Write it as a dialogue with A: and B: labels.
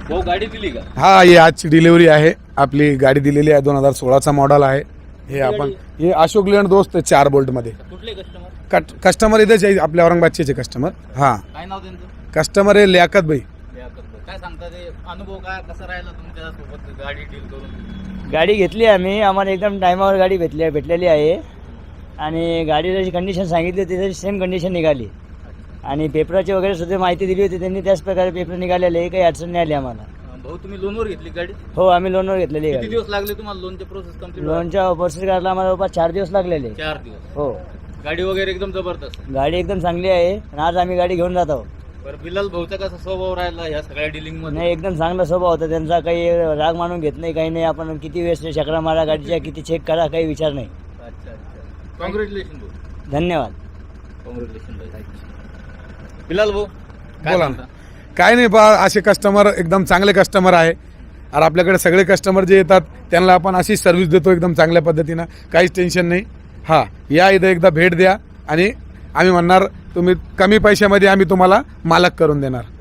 A: भाऊ गाडी दिली का?
B: हा, ही आजची डिलिव्हरी आहे. आपली गाडी दिलेली आहे, 2016चा मॉडेल आहे. हे आपण हे अशोक लेलंड दोस्त 4 बोल्ट मध्ये.
A: कुठले कस्टमर?
B: कस्टमर इथेच आहे, आपल्या औरंगाबादचे कस्टमर. हा,
A: काय नाव त्यांचं?
B: कस्टमर आहे लियाकत भाई.
A: काय सांगता ते अनुभव काय कसा राहिला तुमच्या सोबत गाडी डील करून?
C: गाडी घेतली आम्ही, आम्हाला एकदम टायमावर गाडी भेटलेली आहे आणि गाडी जशी कंडिशन सांगितली होती तशी सेम कंडिशन निघाली आणि पेपराची वगैरे सुद्धा माहिती दिली होती त्यांनी, त्याच प्रकारे पेपर निघालेले, काही अडचण नाही आली आम्हाला.
A: भाऊ तुम्ही लोनवर घेतली गाडी?
C: हो, आम्ही लोनवर घेतलेली
A: किती
C: गाडी.
A: दिवस लागले तुम्हाला लोनचे प्रोसेस कम्प्लीट?
C: लोनच्या प्रोसेस करायला आम्हाला जवळपास 4 दिवस लागलेले.
A: 4 दिवस.
C: हो,
A: गाडी वगैरे एकदम जबरदस्त.
C: गाडी एकदम चांगली आहे आणि आज आम्ही गाडी घेऊन जात आहोत.
A: बरं, बिलाल भाऊचा कसा स्वभाव राहिला ह्या सगळ्या डीलिंग मध्ये?
C: नाही, एकदम चांगला स्वभाव होता त्यांचा, काही राग मानून घेत नाही, काही नाही. आपण किती वेळेस चक्रा मारा गाडीच्या, किती चेक करा, काही विचार नाही.
A: अच्छा अच्छा, कॉंग्रॅच्युलेशन भाऊ.
C: धन्यवाद.
A: कॉंग्रॅच्युलेशन बिलाल भाऊ, काय
B: बोला
A: सांगता?
B: ना. काय नाही बा, असे कस्टमर एकदम चांगले कस्टमर आहे आणि आपल्याकडे सगळे कस्टमर जे येतात त्यांना आपण अशी सर्व्हिस देतो एकदम चांगल्या पद्धतीनं, काहीच टेन्शन नाही. हा, या इथं एकदा भेट द्या आणि आम्ही म्हणणार तुम्ही कमी पैशामध्ये आम्ही तुम्हाला मालक करून देणार.